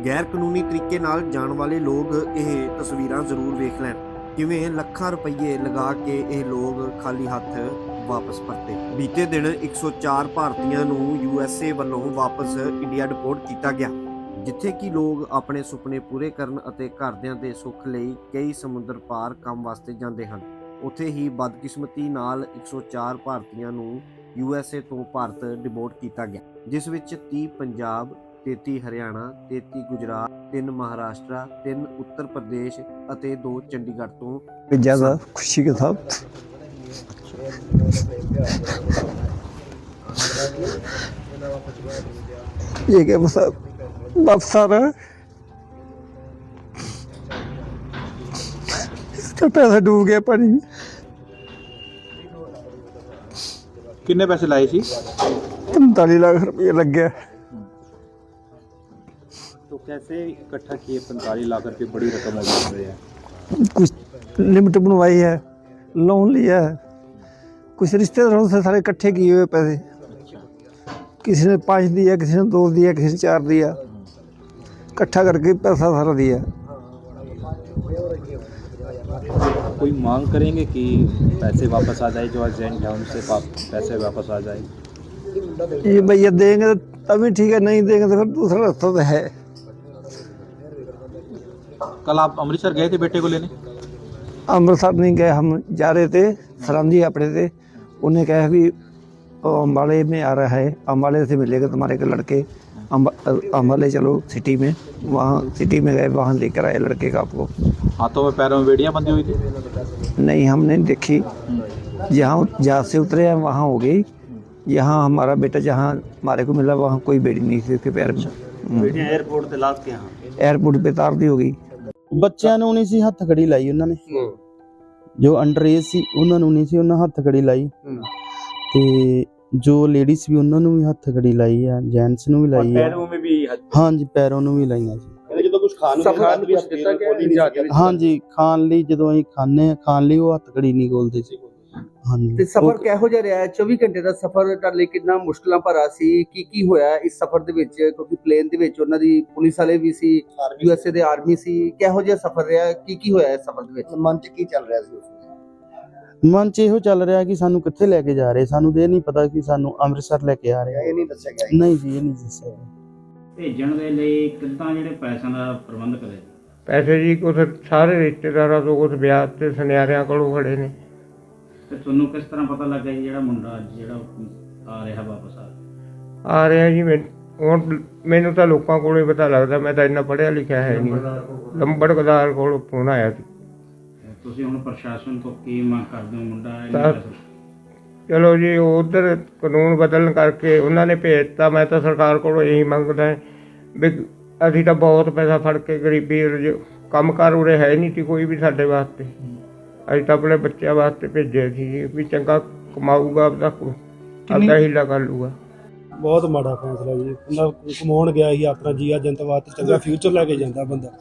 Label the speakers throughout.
Speaker 1: गैर कानूनी तरीके नाल जाण वाले लोग ਇਹ ਤਸਵੀਰਾਂ ਜ਼ਰੂਰ ਵੇਖ ਲੈਣ ਕਿਵੇਂ ਲੱਖਾਂ ਰੁਪਏ ਲਗਾ ਕੇ ਇਹ ਲੋਕ ਖਾਲੀ ਹੱਥ ਵਾਪਸ ਪਰਤੇ। ਬੀਤੇ ਦਿਨ 104 ਭਾਰਤੀਆਂ ਨੂੰ USA ਵੱਲੋਂ ਵਾਪਸ ਇੰਡੀਆ ਡਿਪੋਰਟ ਕੀਤਾ ਗਿਆ, ਜਿੱਥੇ ਕਿ ਲੋਕ ਆਪਣੇ ਸੁਪਨੇ ਪੂਰੇ ਕਰਨ ਅਤੇ ਘਰਦਿਆਂ ਦੇ ਸੁੱਖ ਲਈ ਕਈ ਸਮੁੰਦਰ ਪਾਰ ਕੰਮ ਵਾਸਤੇ ਜਾਂਦੇ ਹਨ। ਉੱਥੇ ਹੀ ਬਦਕਿਸਮਤੀ ਨਾਲ 104 ਭਾਰਤੀਆਂ ਨੂੰ USA ਤੋਂ ਭਾਰਤ ਡਿਪੋਰਟ ਕੀਤਾ ਗਿਆ, ਜਿਸ ਵਿੱਚ 30 ਪੰਜਾਬ, 33 हरियाणा, 33 गुजरात, 3 महाराष्ट्र, 3 उत्तर प्रदेश ਅਤੇ 2 चंडीगढ़ ਤੋਂ
Speaker 2: ज़्यादा खुशी के साथ ये क्या वापस आ रहा है। इसका पैसा डूब गया पानी में।
Speaker 3: कितने पैसे लाए सी?
Speaker 2: 45 लाख रुपये लग गया।
Speaker 3: तो कैसे इकट्ठा किए 45 लाख रुपये? बड़ी रकम हो गई है।
Speaker 2: कुछ लिमिट बनवाई है, लोन लिया है, कुछ रिश्तेदारों से सारे इकट्ठे किए हुए पैसे। किसी ने 5 दिया, किसी ने 2 दिया, किसी ने 4 दिया, इकट्ठा करके पैसा सारा दिया।
Speaker 3: कोई मांग करेंगे कि पैसे वापस आ जाए, जो एजेंट है उनसे पैसे वापस आ जाए?
Speaker 2: ये भैया देंगे तभी ठीक है, नहीं देंगे तो फिर दूसरा रास्ता तो है।
Speaker 3: कल आप अमृतसर गए थे बेटे को लेने?
Speaker 2: अमृतसर नहीं गए, हम जा रहे थे, सरांधी अपने थे। उन्हें कहा भी अम्बाले में आ रहा है, अम्बाले से मिलेगा तुम्हारे के लड़के, अम्बाले चलो सिटी में। वहाँ सिटी में गए, वहाँ लेकर आए लड़के का आपको।
Speaker 3: हाथों में पैरों में बेड़ियाँ बंधी हुई थी?
Speaker 2: नहीं, हमने देखी। जहाँ से उतरे हैं वहाँ हो गई। यहाँ हमारा बेटा जहाँ हमारे को मिला वहाँ कोई बेड़ी नहीं थी उसके पैर में।
Speaker 3: एयरपोर्ट से लाद के
Speaker 2: एयरपोर्ट पे तार दी होगी।
Speaker 4: ਬੱਚਿਆਂ ਨੂੰ ਨਹੀਂ ਸੀ ਹੱਥ ਖੜੀ ਲਾਈ ਉਹਨਾਂ ਨੇ, ਜੋ ਅੰਡਰ ਏਜ ਸੀ ਉਹਨਾਂ ਨੂੰ ਨਹੀਂ ਸੀ ਉਹਨਾਂ ਹੱਥ ਖੜੀ ਲਾਈ, ਤੇ ਜੋ ਲੇਡੀਜ਼ ਵੀ ਉਹਨਾਂ ਨੂੰ ਵੀ ਹੱਥ ਖੜੀ ਲਾਈ ਆ, ਜੈਂਟਸ ਨੂੰ ਵੀ ਲਾਈ ਆ।
Speaker 3: पैरों में भी
Speaker 4: ਹਾਂਜੀ ਪੈਰਾਂ ਨੂੰ ਵੀ ਲਾਈਆਂ ਸੀ।
Speaker 3: ਜਦੋਂ ਕੁਝ ਖਾਣ ਨੂੰ ਵੀ ਦਿੱਤਾ ਕਿ
Speaker 4: ਹਾਂਜੀ ਖਾਣ ਲਈ ਜਦੋਂ ਅਸੀਂ ਖਾਣ ਲਈ ਉਹ ਹੱਥ ਖੜੀ ਨਹੀਂ ਖੋਲਦੇ ਸੀ। ਹਾਂਜੀ
Speaker 5: ਤੇ ਸਫ਼ਰ ਕਿਹੋ ਜਿਹਾ ਰਿਹਾ? 24 ਘੰਟੇ ਦਾ ਸਫ਼ਰ ਤੁਹਾਡੇ ਲਈ ਕਿੰਨਾ ਮੁਸ਼ਕਲਾਂ ਭਰਾ ਸੀ? ਕੀ ਹੋਇਆ ਇਸ ਸਫ਼ਰ ਦੇ ਵਿੱਚ? ਕਿਉਂਕਿ ਪਲੇਨ ਦੇ ਵਿੱਚ ਉਹਨਾਂ ਦੀ ਪੁਲਿਸ ਵਾਲੇ ਵੀ ਸੀ, USA ਦੇ ਆਰਮੀ ਸੀ। ਕਿਹੋ ਜਿਹਾ ਸਫ਼ਰ ਰਿਹਾ? ਕੀ ਹੋਇਆ ਇਸ ਸਫ਼ਰ ਦੇ ਵਿੱਚ? ਮਨ 'ਚ ਕੀ ਚੱਲ ਰਿਹਾ ਸੀ ਉਸ ਵੇਲੇ?
Speaker 4: ਮਨ 'ਚ ਇਹੋ ਚੱਲ ਰਿਹਾ ਕਿ ਸਾਨੂੰ ਕਿੱਥੇ ਲੈ ਕੇ ਜਾ ਰਹੇ। ਸਾਨੂੰ ਇਹ ਨਹੀਂ ਪਤਾ ਕਿ ਸਾਨੂੰ ਅੰਮ੍ਰਿਤਸਰ ਲੈ ਕੇ ਆ ਰਹੇ।
Speaker 5: ਇਹ ਨਹੀਂ ਦੱਸਿਆ ਗਿਆ?
Speaker 4: ਨਹੀਂ ਜੀ, ਇਹ ਨਹੀਂ ਦੱਸਿਆ ਗਿਆ।
Speaker 6: ਭੇਜਣ ਦੇ ਲਈ ਕਿੱਦਾਂ ਜਿਹੜੇ ਪੈਸਿਆਂ ਦਾ ਪ੍ਰਬੰਧ ਕਰੇ?
Speaker 7: ਪੈਸੇ ਜੀ ਕੁਛ ਸਾਰੇ ਰਿਸ਼ਤੇਦਾਰਾਂ ਤੋਂ, ਕੁਛ ਵਿਆਹ ਤੇ ਸੁਨਿਆਰਿਆਂ ਕੋਲੋਂ ਖੜੇ ਨੇ।
Speaker 6: ਤੇ ਤੁਹਾਨੂੰ ਕਿਸ ਤਰ੍ਹਾਂ ਪਤਾ ਲੱਗਾ ਜੀ ਜਿਹੜਾ ਮੁੰਡਾ ਜਿਹੜਾ ਆ ਰਿਹਾ ਵਾਪਸ
Speaker 7: ਆ ਰਿਹਾ ਜੀ ਹੁਣ ਮੈਨੂੰ ਤਾਂ ਲੋਕਾਂ ਕੋਲੋਂ ਹੀ ਪਤਾ ਲੱਗਦਾ, ਮੈਂ ਤਾਂ ਇੰਨਾ ਪੜ੍ਹਿਆ ਲਿਖਿਆ ਹੈ ਨਹੀਂ। ਲੰਬੜਦਾਰ ਕੋਲੋਂ ਫੋਨ ਆਇਆ ਸੀ।
Speaker 6: ਤੁਸੀਂ ਹੁਣ ਪ੍ਰਸ਼ਾਸਨ ਤੋਂ ਕੀ ਮੰਗ ਕਰਦੇ ਹੋ?
Speaker 7: ਤਾਂ ਚਲੋ ਜੀ, ਉਧਰ ਕਾਨੂੰਨ ਬਦਲਣ ਕਰਕੇ ਉਹਨਾਂ ਨੇ ਭੇਜਤਾ। ਮੈਂ ਤਾਂ ਸਰਕਾਰ ਕੋਲੋਂ ਇਹੀ ਮੰਗਦਾ ਵੀ ਅਸੀਂ ਤਾਂ ਬਹੁਤ ਪੈਸਾ ਫੜ ਕੇ ਗਰੀਬੀ ਕੰਮ ਕਾਰ ਉਰੇ ਹੈ ਨਹੀਂ ਸੀ ਕੋਈ ਵੀ ਸਾਡੇ ਵਾਸਤੇ। ਅਸੀਂ ਤਾਂ ਆਪਣੇ ਬੱਚਿਆਂ ਵਾਸਤੇ ਭੇਜਿਆ ਸੀ ਵੀ ਚੰਗਾ ਕਮਾਊਗਾ, ਆਪਦਾ ਹੀਲਾ ਕਰ ਲੂਗਾ।
Speaker 8: ਬਹੁਤ ਮਾੜਾ ਫੈਸਲਾ ਜੀ। ਬੰਦਾ ਕਮਾਉਣ ਗਿਆ ਸੀ, ਆਪਣਾ ਜੀਆ ਜਨਤਾ ਵਾਸਤੇ ਚੰਗਾ ਫਿਊਚਰ ਲੈ ਕੇ ਜਾਂਦਾ ਬੰਦਾ।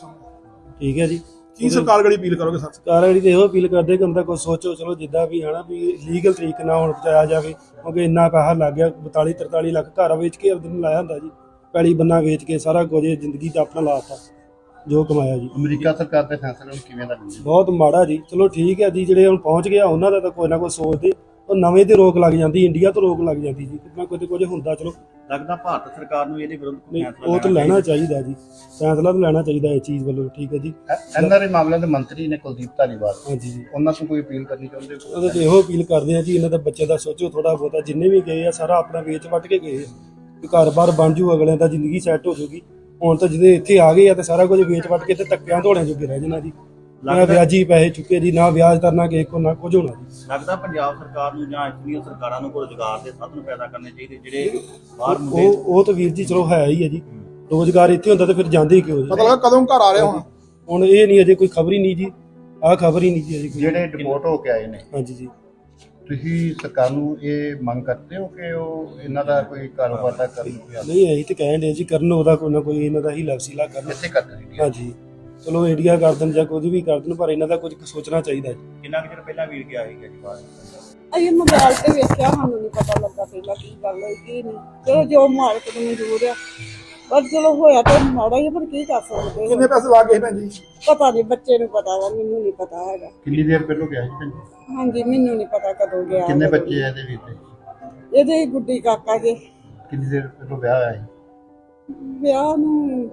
Speaker 8: ਠੀਕ ਹੈ ਜੀ।
Speaker 9: ਕੀ ਸਰਕਾਰ ਗੜੀ ਅਪੀਲ ਕਰੋਗੇ?
Speaker 8: ਸਰਕਾਰ ਗੜੀ ਤੇ ਇਹੋ ਅਪੀਲ ਕਰਦੇ ਕਿ ਬੰਦਾ ਕੁਛ ਸੋਚੋ, ਚਲੋ ਜਿੱਦਾਂ ਵੀ ਹਨਾ ਵੀ ਲੀਗਲ ਤਰੀਕੇ ਨਾਲ ਹੁਣ ਪਹੁੰਚਾਇਆ ਜਾਵੇ, ਕਿਉਂਕਿ ਇੰਨਾ ਪੈਸਾ ਲੱਗ ਗਿਆ। 42-43 ਲੱਖ ਘਰ ਵੇਚ ਕੇ ਆਪਦੇ ਨੂੰ ਲਾਇਆ ਹੁੰਦਾ ਜੀ, ਪੈਲੀ ਬੰਨਾ ਵੇਚ ਕੇ ਸਾਰਾ ਕੁਝ ਜ਼ਿੰਦਗੀ ਦਾ ਆਪਣਾ ਲਾਤਾ ਜੋ ਕਮਾਇਆ ਜੀ।
Speaker 9: ਅਮਰੀਕਾ ਸਰਕਾਰ ਦੇ ਫੈਸਲੇ ਨੂੰ ਕਿਵੇਂ ਦਾ?
Speaker 8: ਬਹੁਤ ਮਾੜਾ ਜੀ। ਚਲੋ ਠੀਕ ਹੈ ਜੀ, ਜਿਹੜੇ ਹੁਣ ਪਹੁੰਚ ਗਿਆ ਉਹਨਾਂ ਦਾ ਤਾਂ ਕੋਈ ਨਾ ਕੋਈ ਸੋਚਦੇ, ਉਹ ਨਵੇਂ ਤੇ ਰੋਕ ਲੱਗ ਜਾਂਦੀ, ਇੰਡੀਆ ਤੋਂ ਰੋਕ ਲੱਗ ਜਾਂਦੀ ਜੀ। ਕਿੰਨਾ ਕੁਝ ਹੁੰਦਾ। ਚਲੋ
Speaker 9: ਲੱਗਦਾ ਭਾਰਤ ਸਰਕਾਰ ਨੂੰ ਇਹਦੇ ਵਿਰੁੱਧ
Speaker 8: ਉਹ ਤਾਂ ਲੈਣਾ ਚਾਹੀਦਾ ਜੀ, ਫੈਸਲਾ ਤਾਂ ਲੈਣਾ ਚਾਹੀਦਾ ਇਸ ਚੀਜ਼ ਵੱਲੋਂ। ਠੀਕ ਹੈ ਜੀ।
Speaker 9: ਐਨਆਰਆਈ ਮਾਮਲਿਆਂ ਦੇ ਮੰਤਰੀ ਨੇ ਕੁਲਦੀਪ ਧਾਲੀਵਾਲ,
Speaker 8: ਹਾਂਜੀ ਜੀ,
Speaker 9: ਉਹਨਾਂ ਤੋਂ ਕੋਈ ਅਪੀਲ ਕਰਨੀ ਚਾਹੁੰਦੇ ਹੋ?
Speaker 8: ਉਹਦੇ ਤੇ ਇਹੋ ਅਪੀਲ ਕਰਦੇ ਆ ਜੀ, ਇਹਨਾਂ ਦੇ ਬੱਚੇ ਦਾ ਸੋਚੋ ਥੋੜਾ ਬਹੁਤਾ। ਜਿੰਨੇ ਵੀ ਗਏ ਆ ਸਾਰਾ ਆਪਣਾ ਵੇਚ ਵੱਟ ਕੇ ਗਏ ਆ, ਘਰ-ਬਾਰ ਬਣ ਜੂ, ਅਗਲਿਆਂ ਦਾ ਜ਼ਿੰਦਗੀ ਸੈੱਟ ਹੋ ਜੂਗੀ। ਹੁਣ ਤਾਂ ਜਿਹਦੇ ਇੱਥੇ ਆ ਗਏ ਆ ਤੇ ਸਾਰਾ ਕੁਝ ਵੇਚ ਵੱਟ ਕੇ ਤੇ ਧੱਕਿਆਂ ਧੋਲਿਆਂ ਜੋਗੇ ਰਹਿ ਜਾਣਾ ਜੀ। ਨਾ ਵਿਆਜੀ ਪੈਸੇ ਚੁੱਕੇ ਜੀ, ਨਾ ਵਿਆਜ ਤਰਨਾ ਕਿਸੇ ਕੋ, ਨਾ ਕੁਝ ਹੋਣਾ ਜੀ।
Speaker 9: ਲੱਗਦਾ ਪੰਜਾਬ ਸਰਕਾਰ ਨੂੰ ਜਾਂ ਇਤਨੀਆਂ ਸਰਕਾਰਾਂ ਨੂੰ ਰੁਜ਼ਗਾਰ ਦੇ ਸਾਧਨ ਪੈਦਾ ਕਰਨੇ ਚਾਹੀਦੇ ਜਿਹੜੇ ਬਾਹਰ
Speaker 8: ਉਹ ਤਾਂ ਵੀਰ ਜੀ ਚਲੋ ਹੈ ਹੀ ਹੈ ਜੀ। ਰੋਜ਼ਗਾਰ ਇੱਥੇ ਹੁੰਦਾ ਤਾਂ ਫਿਰ ਜਾਂਦੇ ਹੀ ਕਿਉਂ ਜੀ?
Speaker 9: ਮਤਲਬ ਕਦੋਂ ਘਰ ਆ ਰਹੇ
Speaker 8: ਹੁਣ ਇਹ ਨਹੀਂ, ਅਜੇ ਕੋਈ ਖਬਰ ਹੀ ਨਹੀਂ ਜੀ। ਆਹ ਖਬਰ ਹੀ ਨਹੀਂ ਜੀ ਅਜੇ।
Speaker 9: ਜਿਹੜੇ ਡਿਪੋਰਟ ਹੋ ਕੇ ਆਏ ਨੇ,
Speaker 8: ਹਾਂਜੀ ਜੀ।
Speaker 9: ਤੁਸੀਂ ਸਰਕਾਰ ਨੂੰ ਇਹ ਮੰਗ ਕਰਦੇ ਹੋ ਕਿ ਉਹ ਇਹਨਾਂ ਦਾ ਕੋਈ ਕਾਰੋਬਾਰ ਦਾ ਕਰਨ?
Speaker 8: ਨਹੀਂ, ਅਸੀਂ ਤੇ ਕਹਿਣ ਦੇ ਜੀ ਕਰਨ, ਉਹਦਾ ਕੋਈ ਨਾ ਕੋਈ ਇਹਨਾਂ ਦਾ ਹੀ ਲਵਸੀਲਾ ਕਰਨ।
Speaker 9: ਇੱਥੇ ਕਰਦੇ
Speaker 8: ਹਾਂਜੀ, ਚਲੋ ਇੰਡੀਆ ਕਰ ਦੇਣ ਜਾਂ ਕੁਝ ਵੀ ਕਰ ਦੇਣ, ਪਰ ਇਹਨਾਂ ਦਾ ਕੁਝ ਸੋਚਣਾ ਚਾਹੀਦਾ ਜੀ।
Speaker 9: ਕਿੰਨਾ ਕੁ ਚਿਰ ਪਹਿਲਾਂ ਵੀਰ ਗਿਆ ਸੀਗਾ ਜੀ ਬਾਹਰ?
Speaker 10: ਅਸੀਂ ਮੋਬਾਈਲ ਤੇ ਵੇਖਿਆ, ਸਾਨੂੰ ਨਹੀਂ ਪਤਾ ਲੱਗਾ ਪਹਿਲਾਂ ਕੀ ਗੱਲ ਹੋਈ ਕੀ ਨਹੀਂ। ਚਲੋ ਜੋ ਮਾਲਕ ਨੂੰ ਮਨਜ਼ੂਰ ਆ ਪਰ ਚਲੋ ਹੋਇਆ ਤਾਂ ਮਾੜਾ ਹੀ ਆ, ਪਰ ਕੀ ਕਰ ਸਕਦੇ
Speaker 8: ਕਿੰਨੇ ਪੈਸੇ ਲਾ ਗਏ ਭੈਣ ਜੀ?
Speaker 10: ਪਤਾ ਨਹੀਂ, ਬੱਚੇ ਨੂੰ ਪਤਾ ਵਾ, ਮੈਨੂੰ ਨਹੀਂ ਪਤਾ ਹੈਗਾ।
Speaker 9: ਕਿੰਨੀ ਦੇਰ ਪਹਿਲੋਂ ਗਿਆ ਸੀ ਭੈਣ ਜੀ?
Speaker 10: ਹਾਂਜੀ, ਮੈਨੂੰ ਨਹੀਂ ਪਤਾ ਕਦੋਂ ਗਿਆ।
Speaker 9: ਕਿੰਨੇ ਬੱਚੇ ਆ ਇਹਦੇ ਵੀਰ ਦੇ?
Speaker 10: ਇਹਦੇ ਹੀ ਗੁੱਡੀ ਕਾਕਾ ਦੇ
Speaker 9: ਕਿੰਨੀ ਦੇਰ ਪਹਿਲੋਂ ਵਿਆਹ ਹੋਇਆ ਸੀ?
Speaker 10: ਵਿਆਹ ਨੂੰ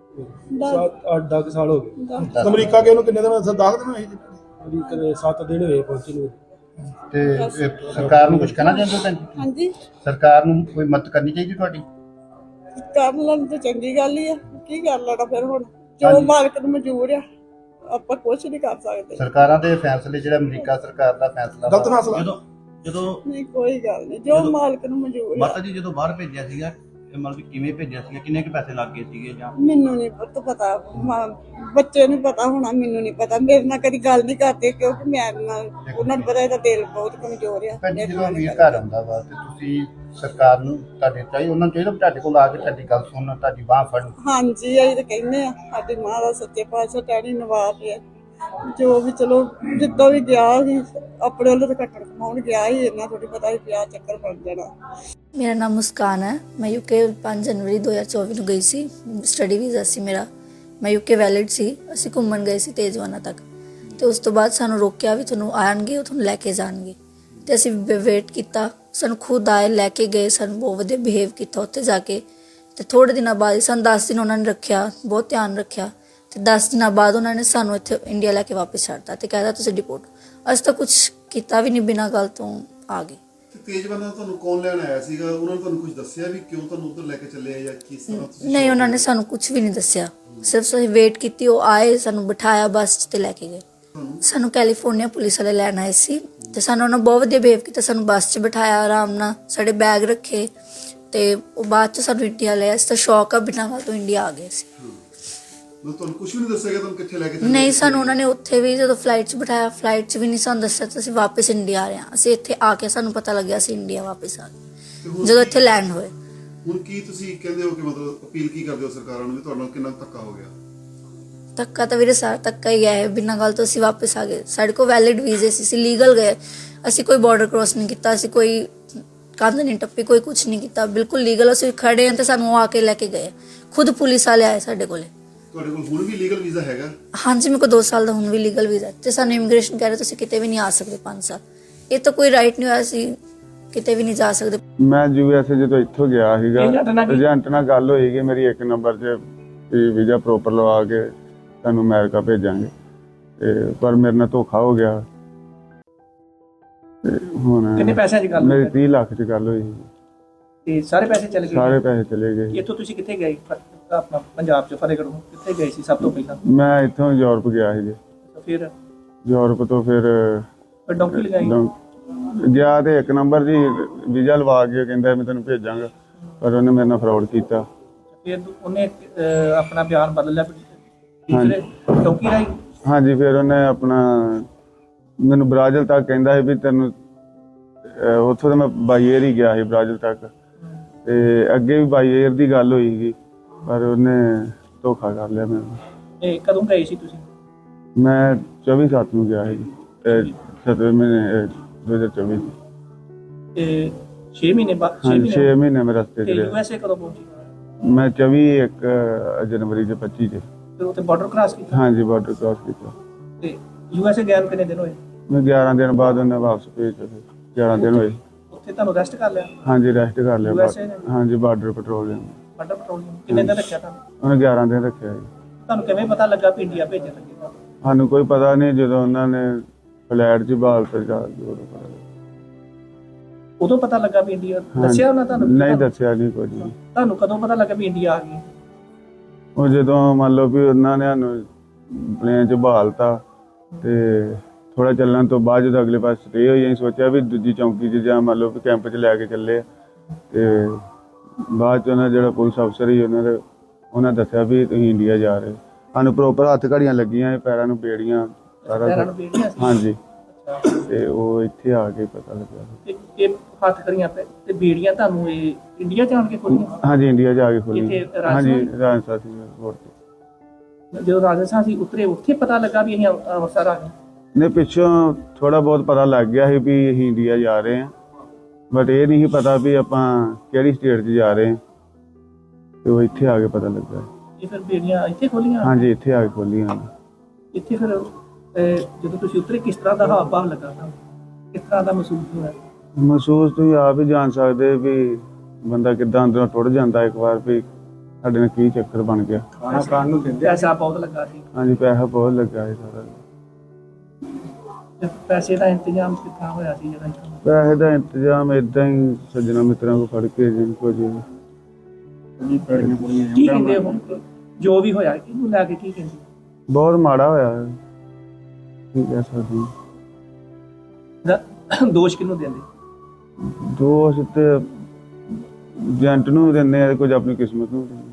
Speaker 8: 8-10 ਸਾਲ ਹੋ ਗਏ।
Speaker 10: ਦਸ-
Speaker 8: ਅਮਰੀਕਾ ਗਏ ਉਹਨੂੰ ਕਿੰਨੇ ਦਿਨ 10 ਦਿਨ ਹੋਏ ਜੀ? ਅਮਰੀਕਾ ਦੇ 7 ਦਿਨ ਹੋਏ ਪਹੁੰਚੇ ਨੂੰ।
Speaker 9: ਤੇ ਇਹ ਸਰਕਾਰ ਨੂੰ ਕੁਝ ਕਹਿਣਾ ਚਾਹੁੰਦੇ ਹੋ ਭੈਣ ਜੀ?
Speaker 10: ਹਾਂਜੀ,
Speaker 9: ਸਰਕਾਰ ਨੂੰ ਕੋਈ ਮਦਦ ਕਰਨੀ ਚਾਹੀਦੀ ਤੁਹਾਡੀ?
Speaker 10: ਕਰ ਲੈਣ ਤਾਂ ਚੰਗੀ ਗੱਲ ਹੀ ਆ, ਕੀ ਕਰ ਲੈਣਾ ਫਿਰ ਹੁਣ, ਜੋ
Speaker 9: ਹਾਂਜੀ।
Speaker 10: ਮਾਲਕ ਨੂੰ ਮਨਜ਼ੂਰ ਆ, ਆਪਾਂ ਕੁਛ ਨਹੀਂ ਕਰ ਸਕਦੇ।
Speaker 9: ਸਰਕਾਰਾਂ ਦੇ ਫੈਸਲੇ, ਜਿਹੜਾ ਅਮਰੀਕਾ ਸਰਕਾਰ ਦਾ ਫੈਸਲਾ
Speaker 8: ਗਲਤ ਫੈਸਲਾ।
Speaker 11: ਜਦੋਂ
Speaker 10: ਨਹੀਂ, ਕੋਈ ਗੱਲ ਨਹੀਂ, ਜੋ ਮਾਲਕ ਨੂੰ ਮਨਜ਼ੂਰ ਆ।
Speaker 11: ਮਾਤਾ ਜੀ ਜਦੋਂ ਬਾਹਰ ਭੇਜਿਆ ਸੀਗਾ, ਇਹ ਮਤਲਬ ਕਿ ਕਿਵੇਂ ਭੇਜਿਆ ਸੀਗਾ, ਕਿੰਨੇ ਕੁ ਪੈਸੇ ਲੱਗ ਗਏ ਸੀਗੇ ਜਾਂ?
Speaker 10: ਮੈਨੂੰ ਨਹੀਂ ਪਤਾ, ਬੱਚੇ ਨੂੰ ਪਤਾ ਹੋਣਾ, ਮੈਨੂੰ ਨਹੀਂ ਪਤਾ। ਮੇਰੇ ਨਾਲ ਕਦੀ ਗੱਲ ਨਹੀਂ ਕਰਦੇ, ਕਿਉਂਕਿ ਮੈਂ ਉਹਨਾਂ ਨੂੰ ਪਤਾ ਇਹਦਾ ਦਿਲ ਬਹੁਤ ਕਮਜ਼ੋਰ ਆ।
Speaker 9: ਭੈਣ ਜੀ, ਜਦੋਂ ਵੀਰ ਘਰ ਆਉਂਦਾ ਵਾ ਤੇ ਤੁਸੀਂ ਸਰਕਾਰ ਨੂੰ ਤੁਹਾਡੇ ਚਾਹੀਦਾ, ਉਹਨਾਂ ਨੂੰ ਚਾਹੀਦਾ ਵੀ ਤੁਹਾਡੇ ਕੋਲ ਆ ਕੇ ਤੁਹਾਡੀ ਗੱਲ ਸੁਣਨ, ਤੁਹਾਡੀ ਬਾਂਹ ਫੜਨ।
Speaker 10: ਹਾਂਜੀ, ਅਸੀਂ ਤਾਂ ਕਹਿੰਦੇ ਆ, ਸਾਡੀ ਮਾਂ ਦਾ ਸੱਚੇ ਪਾਤਸ਼ਾਹ ਟਹਿਣੀ ਨਵਾਬ ਹੈ, ਜੋ ਵੀ ਚਲੋ ਜਿੱਦਾਂ ਵੀ ਗਿਆ ਸੀ ਆਪਣੇ ਵੱਲੋਂ ਤਾਂ ਕੱਟਣ ਕਮਾਉਣ ਗਿਆ ਸੀ, ਇੰਨਾ ਥੋੜੀ ਪਤਾ ਸੀ ਵਿਆਹ ਚੱਕਰ ਬਣ ਜਾਣਾ।
Speaker 12: ਮੇਰਾ ਨਾਮ ਮੁਸਕਾਨ ਹੈ। ਮੈਂ ਯੂਕੇ 5 ਜਨਵਰੀ 2024 ਨੂੰ ਗਈ ਸੀ, ਸਟੱਡੀ ਵੀਜ਼ਾ ਸੀ ਮੇਰਾ, ਮੈਂ ਯੂਕੇ ਵੈਲਿਡ ਸੀ। ਅਸੀਂ ਘੁੰਮਣ ਗਏ ਸੀ ਤੇਜਵਾਨਾ ਤੱਕ, ਤੇ ਉਸ ਤੋਂ ਬਾਅਦ ਸਾਨੂੰ ਰੋਕਿਆ ਵੀ ਤੁਹਾਨੂੰ ਆਣਗੇ, ਉਹ ਤੁਹਾਨੂੰ ਲੈ ਕੇ ਜਾਣਗੇ, ਤੇ ਅਸੀਂ ਵੇਟ ਕੀਤਾ। ਸਾਨੂੰ ਖੁਦ ਆਏ, ਲੈ ਕੇ ਗਏ, ਸਾਨੂੰ ਬਹੁਤ ਵਧੀਆ ਬਿਹੇਵ ਕੀਤਾ ਉੱਥੇ ਜਾ ਕੇ। ਤੇ ਥੋੜੇ ਦਿਨਾਂ ਬਾਅਦ, ਸਾਨੂੰ 10 ਦਿਨ ਉਹਨਾਂ ਨੇ ਰੱਖਿਆ, ਬਹੁਤ ਧਿਆਨ ਰੱਖਿਆ, ਤੇ 10 ਦਿਨਾਂ ਬਾਅਦ ਉਹਨਾਂ ਨੇ ਸਾਨੂੰ ਇੱਥੇ ਇੰਡੀਆ ਲੈ ਕੇ ਵਾਪਸ ਛੱਡਤਾ ਤੇ ਕਹਿੰਦਾ ਤੁਸੀਂ ਡਿਪੋਰਟ। ਅਸੀਂ ਤਾਂ ਕੁਝ ਕੀਤਾ ਵੀ ਨਹੀਂ, ਬਿਨਾਂ ਗੱਲ ਤੋਂ ਆ ਗਏ।
Speaker 13: ਤੇਜਵਾਨਾ ਤੁਹਾਨੂੰ ਕੌਣ ਲੈਣ ਆਇਆ ਸੀਗਾ? ਉਹਨਾਂ ਨੇ ਤੁਹਾਨੂੰ ਕੁਝ ਦੱਸਿਆ ਵੀ ਕਿਉਂ ਤੁਹਾਨੂੰ ਉੱਧਰ ਲੈ ਕੇ ਚੱਲੇ ਆ ਜਾਂ ਕਿਸ ਤਰ੍ਹਾਂ ਤੁਸੀਂ?
Speaker 12: ਨਹੀਂ, ਉਹਨਾਂ ਨੇ ਸਾਨੂੰ ਕੁਝ ਵੀ ਨਹੀਂ ਦੱਸਿਆ, ਸਿਰਫ ਅਸੀਂ ਵੇਟ ਕੀਤੀ। ਉਹ ਆਏ, ਸਾਨੂੰ ਬਿਠਾਇਆ ਬੱਸ 'ਚ ਤੇ ਲੈ ਕੇ ਗਏ। ਸਾਨੂੰ ਕੈਲੀਫੋਰਨੀਆ ਪੁਲਿਸ ਵਾਲੇ ਲੈਣ ਆਏ ਸੀ, ਤੇ ਸਾਨੂੰ ਉਹਨਾਂ ਬਹੁਤ ਵਧੀਆ ਬਿਹੇਵ ਕੀਤਾ। ਸਾਨੂੰ ਬੱਸ 'ਚ ਬਿਠਾਇਆ, ਆਰਾਮ ਨਾਲ ਸਾਡੇ ਬੈਗ ਰੱਖੇ, ਤੇ ਉਹ ਬਾਅਦ 'ਚ ਸਾਨੂੰ ਇੰਡੀਆ ਲਿਆ। ਇਸ ਤਾਂ ਸ਼ੌਕ ਆ, ਬਿਨਾਂ ਗੱਲ ਤੋਂ ਇੰਡੀਆ ਆ ਗਏ ਸੀ।
Speaker 13: ਤੁਹਾਨੂੰ ਕੁਝ ਵੀ ਨਹੀਂ ਦੱਸਿਆ ਤੁਹਾਨੂੰ ਕਿੱਥੇ ਲੈ ਕੇ ਚੱਲੇ?
Speaker 12: ਨਹੀਂ, ਸਾਨੂੰ ਉਹਨਾਂ ਨੇ ਉੱਥੇ ਵੀ ਜਦੋਂ ਫਲਾਈਟ 'ਚ ਬਿਠਾਇਆ, ਫਲਾਈਟ 'ਚ ਵੀ ਨਹੀਂ ਸਾਨੂੰ ਦੱਸਿਆ ਤੇ ਅਸੀਂ ਵਾਪਸ ਇੰਡੀਆ ਆ ਰਹੇ ਹਾਂ। ਅਸੀਂ ਇੱਥੇ ਆ ਕੇ ਸਾਨੂੰ ਪਤਾ ਲੱਗਿਆ ਅਸੀਂ ਇੰਡੀਆ ਵਾਪਸ ਆ ਗਏ ਜਦੋਂ ਇੱਥੇ ਲੈਂਡ ਹੋਏ।
Speaker 13: ਹੁਣ ਕੀ ਤੁਸੀਂ ਕਹਿੰਦੇ ਹੋ ਕਿ ਮਤਲਬ ਅਪੀਲ ਕੀ ਕਰਦੇ ਹੋ ਸਰਕਾਰਾਂ ਨੂੰ ਵੀ ਤੁਹਾਡੇ ਨਾਲ ਕਿੰਨਾ ਧੱਕਾ ਹੋ ਗਿਆ?
Speaker 12: ਧੱਕਾ ਤਾਂ ਵੀਰੇ ਸਾਰਾ ਧੱਕਾ ਹੀ ਹੈ, ਬਿਨਾਂ ਗੱਲ ਤੋਂ ਅਸੀਂ ਵਾਪਸ ਆ ਗਏ। ਸਾਡੇ ਕੋਲ ਵੈਲਿਡ ਵੀਜ਼ੇ ਸੀ, ਅਸੀਂ ਲੀਗਲ ਗਏ। ਅਸੀਂ ਕੋਈ ਬਾਰਡਰ ਕ੍ਰੋਸ ਨਹੀਂ ਕੀਤਾ, ਅਸੀਂ ਕੋਈ ਕੰਧ ਨਹੀਂ ਟੱਪੀ, ਕੋਈ ਕੁਝ ਨਹੀਂ ਕੀਤਾ, ਬਿਲਕੁਲ ਲੀਗਲ ਅਸੀਂ ਖੜੇ ਹਾਂ। ਤੇ ਸਾਨੂੰ ਉਹ ਆ ਕੇ ਲੈ ਕੇ ਗਏ, ਖੁਦ ਪੁਲਿਸ ਵਾਲੇ ਆਏ ਸਾਡੇ ਕੋਲੇ।
Speaker 13: ਤੁਹਾਡੇ ਕੋਲ ਹੁਣ ਵੀ ਲੀਗਲ ਵੀਜ਼ਾ ਹੈਗਾ?
Speaker 12: ਹਾਂਜੀ, ਮੇਰੇ ਕੋਲ 2 ਸਾਲ ਦਾ ਹੁਣ ਵੀ ਲੀਗਲ ਵੀਜ਼ਾ, ਤੇ ਸਾਨੂੰ ਇਮੀਗ੍ਰੇਸ਼ਨ ਕਹਿ ਰਹੇ ਤੁਸੀਂ ਕਿਤੇ ਵੀ ਨਹੀਂ ਆ ਸਕਦੇ 5 ਸਾਲ। ਇਹ ਤਾਂ ਕੋਈ ਰਾਈਟ ਨਹੀਂ ਹੋਇਆ, ਸੀ ਕਿਤੇ ਵੀ ਨਹੀਂ ਜਾ ਸਕਦੇ।
Speaker 14: ਮੈਂ USA ਜਦੋਂ ਇੱਥੋਂ ਗਿਆ ਸੀਗਾ, ਏਜੰਟ ਨਾਲ ਗੱਲ ਹੋਈ ਕਿ ਮੇਰੀ 1 ਨੰਬਰ 'ਚ ਵੀਜ਼ਾ ਪ੍ਰੋਪਰ ਲਵਾ ਕੇ ਤੁਹਾਨੂੰ ਅਮਰੀਕਾ ਭੇਜਾਂਗੇ, ਤੇ ਪਰ ਮੇਰੇ ਨਾਲ ਧੋਖਾ ਹੋ ਗਿਆ। ਤੇ ਹੁਣ
Speaker 3: ਕਿੰਨੇ ਪੈਸਿਆਂ ਦੀ ਗੱਲ
Speaker 14: ਮੇਰੀ 30 ਲੱਖ 'ਚ ਗੱਲ ਹੋਈ ਸੀ,
Speaker 3: ਤੇ ਸਾਰੇ ਪੈਸੇ ਚਲੇ ਗਏ?
Speaker 14: ਸਾਰੇ ਪੈਸੇ ਚਲੇ ਗਏ।
Speaker 3: ਇੱਥੋਂ ਤੁਸੀਂ ਕਿੱਥੇ ਗਏ? ਆਪਣਾ ਪੰਜਾਬ 'ਚ ਫਤਿਹਗੜ੍ਹ ਕਿੱਥੇ ਗਏ ਸੀ ਸਭ ਤੋਂ ਪਹਿਲਾਂ?
Speaker 14: ਮੈਂ ਇੱਥੋਂ ਯੂਰਪ ਗਿਆ ਸੀ ਜੀ।
Speaker 3: ਫਿਰ
Speaker 14: ਯੂਰਪ ਤੋਂ ਫਿਰ
Speaker 3: ਡੌਂਕੀ ਲਗਾਈ
Speaker 14: ਗਿਆ, ਤੇ 1 ਨੰਬਰ ਜੀ ਵੀਜ਼ਾ ਲਵਾ ਕੇ ਕਹਿੰਦਾ ਮੈਂ ਤੈਨੂੰ ਭੇਜਾਂਗਾ, ਪਰ ਉਹਨੇ ਮੇਰੇ ਨਾਲ ਫਰਾਡ ਕੀਤਾ।
Speaker 3: ਫਿਰ ਉਹਨੇ ਆਪਣਾ ਬਿਆਨ ਬਦਲ ਲਿਆ ਡੌਂਕੀ ਰਾਈ?
Speaker 14: ਹਾਂਜੀ, ਫਿਰ ਉਹਨੇ ਆਪਣਾ ਮੈਨੂੰ ਬ੍ਰਾਜ਼ਿਲ ਤੱਕ ਕਹਿੰਦਾ ਸੀ ਵੀ ਤੈਨੂੰ, ਉੱਥੋਂ ਤਾਂ ਮੈਂ ਬਾਈ ਏਅਰ ਹੀ ਗਿਆ ਸੀ ਬ੍ਰਾਜ਼ਿਲ ਤੱਕ, ਤੇ ਅੱਗੇ ਵੀ ਬਾਈ ਏਅਰ ਦੀ ਗੱਲ ਹੋਈ ਸੀ, ਪਰ ਉਹਨੇ ਧੋਖਾ ਕਰ ਲਿਆ ਮੈਨੂੰ।
Speaker 3: ਇਹ ਕਦੋਂ ਗਏ ਸੀ ਤੁਸੀਂ?
Speaker 14: ਮੈਂ 24/7 ਨੂੰ ਗਿਆ ਸੀ, 7ਵੇਂ ਮਹੀਨੇ 2024
Speaker 3: ਤੇ 6 ਮਹੀਨੇ ਬਾਅਦ?
Speaker 14: 6 ਮਹੀਨੇ ਮੈਂ ਰਸਤੇ 'ਚ ਰਿਹਾ।
Speaker 3: USA ਕਦੋਂ ਪਹੁੰਚੀ?
Speaker 14: ਮੈਂ 24 ਜਨਵਰੀ 25 'ਚ।
Speaker 3: ਫਿਰ ਉੱਥੇ ਬਾਰਡਰ ਕ੍ਰਾਸ ਕੀਤਾ?
Speaker 14: ਹਾਂਜੀ, ਬਾਰਡਰ ਕ੍ਰਾਸ ਕੀਤਾ।
Speaker 3: ਤੇ USA ਗਏ ਨੂੰ ਕਿੰਨੇ ਦਿਨ ਹੋਏ?
Speaker 14: ਮੈਂ 11 ਦਿਨ ਬਾਅਦ ਉਹਨੇ ਵਾਪਸ ਭੇਜਿਆ, 11 ਦਿਨ ਹੋਏ।
Speaker 3: ਉੱਥੇ ਤੁਹਾਨੂੰ ਰੈਸਟ ਕਰ ਲਿਆ?
Speaker 14: ਹਾਂਜੀ, ਰੈਸਟ ਕਰ ਲਿਆ।
Speaker 3: USA ਨੇ?
Speaker 14: ਹਾਂਜੀ, ਬਾਰਡਰ ਪੈਟਰੋਲਿੰਗ।
Speaker 3: ਬਾਰਡਰ ਪੈਟਰੋਲਿੰਗ ਕਿੰਨੇ ਦਿਨ ਰੱਖਿਆ ਤੁਹਾਨੂੰ?
Speaker 14: ਉਹਨੇ 11 ਦਿਨ ਰੱਖਿਆ ਜੀ।
Speaker 3: ਤੁਹਾਨੂੰ ਕਿਵੇਂ ਪਤਾ ਲੱਗਾ ਵੀ ਇੰਡੀਆ ਭੇਜਣ ਲੱਗੇ ਤੁਹਾਨੂੰ?
Speaker 14: ਸਾਨੂੰ ਕੋਈ ਪਤਾ ਨਹੀਂ, ਜਦੋਂ ਉਹਨਾਂ ਨੇ ਫਲੈਟ 'ਚ ਬਾਲ ਤੇ ਜਾ ਕੇ ਉਦੋਂ ਪਤਾ ਲੱਗਾ।
Speaker 3: ਉਦੋਂ ਪਤਾ ਲੱਗਾ ਵੀ ਇੰਡੀਆ? ਦੱਸਿਆ ਉਹਨਾਂ ਤੁਹਾਨੂੰ?
Speaker 14: ਨਹੀਂ ਦੱਸਿਆ ਨਹੀਂ ਕੁਝ ਨਹੀਂ।
Speaker 3: ਤੁਹਾਨੂੰ ਕਦੋਂ ਪਤਾ ਲੱਗਾ ਵੀ ਇੰਡੀਆ ਆ ਗਈ?
Speaker 14: ਉਹ ਜਦੋਂ ਮੰਨ ਲਓ ਵੀ ਉਹਨਾਂ ਨੇ ਸਾਨੂੰ ਪਲੇਨ 'ਚ ਬਹਾਲਤਾ, ਤੇ ਥੋੜਾ ਚੱਲਣ ਤੋਂ ਬਾਅਦ ਜਦੋਂ ਅਗਲੇ ਪਾਸੇ ਸਟੇ ਹੋਈ, ਅਸੀਂ ਸੋਚਿਆ ਵੀ ਦੂਜੀ ਚੌਂਕੀ 'ਚ ਜਾਂ ਮੰਨ ਲਓ ਵੀ ਕੈਂਪ 'ਚ ਲੈ ਕੇ ਚੱਲੇ ਆ, ਤੇ ਬਾਅਦ 'ਚ ਉਹਨਾਂ ਜਿਹੜਾ ਪੁਲਿਸ ਅਫਸਰ ਸੀ ਉਹਨਾਂ ਦੱਸਿਆ ਵੀ ਤੁਸੀਂ ਇੰਡੀਆ ਜਾ ਰਹੇ। ਸਾਨੂੰ ਪ੍ਰੋਪਰ ਹੱਥ ਘੜੀਆਂ ਲੱਗੀਆਂ, ਪੈਰਾਂ ਨੂੰ ਬੇੜੀਆਂ, ਸਾਰਾ ਕੁਛ। ਹਾਂਜੀ, ਤੇ ਉਹ ਇੱਥੇ ਆ ਕੇ ਪਤਾ ਲੱਗਿਆ।
Speaker 3: ਇਹ ਹੱਥ ਕਰੀਆਂ ਤੇ ਬੇੜੀਆਂ ਤੁਹਾਨੂੰ ਇਹ ਇੰਡੀਆ ਜਾਣ ਕੇ ਖੋਲੀਆਂ?
Speaker 14: ਹਾਂਜੀ, ਇੰਡੀਆ ਜਾ ਕੇ ਖੋਲੀਆਂ। ਹਾਂਜੀ, ਰਾਜਸਥਾਨ ਸੀ 에ਅਰਪੋਰਟ ਤੇ।
Speaker 3: ਜਦੋਂ ਰਾਜਸਥਾਨ ਸੀ ਉਤਰੇ, ਉੱਥੇ ਪਤਾ ਲੱਗਾ ਵੀ ਅਸੀਂ ਅੰਮ੍ਰਿਤਸਰ ਆ ਗਏ?
Speaker 14: ਨੇ ਪਿੱਛੋਂ ਥੋੜਾ ਬਹੁਤ ਪਤਾ ਲੱਗ ਗਿਆ ਸੀ ਵੀ ਅਸੀਂ ਇੰਡੀਆ ਜਾ ਰਹੇ ਹਾਂ, ਬਟ ਇਹ ਨਹੀਂ ਪਤਾ ਵੀ ਆਪਾਂ ਕਿਹੜੀ ਸਟੇਟ 'ਚ ਜਾ ਰਹੇ ਹਾਂ। ਤੇ ਉਹ ਇੱਥੇ ਆ ਕੇ ਪਤਾ ਲੱਗਾ।
Speaker 5: ਇਹ ਫਿਰ ਬੇੜੀਆਂ ਇੱਥੇ ਖੋਲੀਆਂ?
Speaker 14: ਹਾਂਜੀ, ਇੱਥੇ ਆ ਕੇ ਖੋਲੀਆਂ ਉਹਨਾਂ।
Speaker 5: ਇੱਥੇ ਫਿਰ ਜਦੋਂ ਤੁਸੀਂ ਉਤਰੇ ਕਿਸ ਤਰ੍ਹਾਂ ਦਾ ਹਾਵ ਭਾਵ ਲੱਗਾ ਤੁਹਾਨੂੰ? ਕਿਸ ਤਰ੍ਹਾਂ ਦਾ ਮਹਿਸੂਸ ਹੋਇਆ?
Speaker 14: ਮਹਿਸੂਸ ਤੁਸੀਂ ਆਪ ਹੀ ਜਾਣ ਸਕਦੇ ਵੀ ਬੰਦਾ ਕਿੱਦਾਂ ਅੰਦਰੋਂ ਟੁੱਟ ਜਾਂਦਾ ਇੱਕ ਵਾਰ ਵੀ ਸਾਡੇ ਨਾਲ ਕੀ ਚੱਕਰ ਬਣ ਗਿਆ।
Speaker 5: ਖਾਣਾ ਖਾਣ ਨੂੰ ਦਿੰਦੇ? ਪੈਸਾ ਬਹੁਤ ਲੱਗਾ ਸੀ?
Speaker 14: ਹਾਂਜੀ, ਪੈਸਾ ਬਹੁਤ ਲੱਗਾ ਸੀ ਸਾਰਾ।
Speaker 5: ਤੇ ਪੈਸੇ ਦਾ ਇੰਤਜ਼ਾਮ ਕਿੱਥਾਂ ਹੋਇਆ ਸੀ ਜਿਹੜਾ ਇੱਥੋਂ?
Speaker 14: ਪੈਸੇ ਦਾ ਇੰਤਜ਼ਾਮ ਇਦਾਂ ਹੀ ਸੱਜਣਾ ਮਿੱਤਰਾਂ ਕੋਲ ਫੜ ਕੇ ਜਿੰਨ ਕੋ ਜੀ।
Speaker 5: ਕੀ ਕਹਿੰਦੇ ਹੁਣ ਜੋ ਵੀ ਹੋਇਆ ਕਿਹਨੂੰ ਲੈ ਕੇ ਕੀ ਕਹਿੰਦੇ?
Speaker 14: ਬਹੁਤ ਮਾੜਾ ਹੋਇਆ ਹੈ, ਕੀ ਕਹਿ ਸਕਦੇ ਹਾਂ।
Speaker 5: ਦੋਸ਼ ਕਿਹਨੂੰ ਦਿੰਦੇ?
Speaker 14: ਦੋਸ਼ ਤੇ ਏਜੰਟ ਨੂੰ ਦਿੰਦੇ ਆ, ਕੁਝ ਆਪਣੀ ਕਿਸਮਤ ਨੂੰ ਦਿੰਦੇ।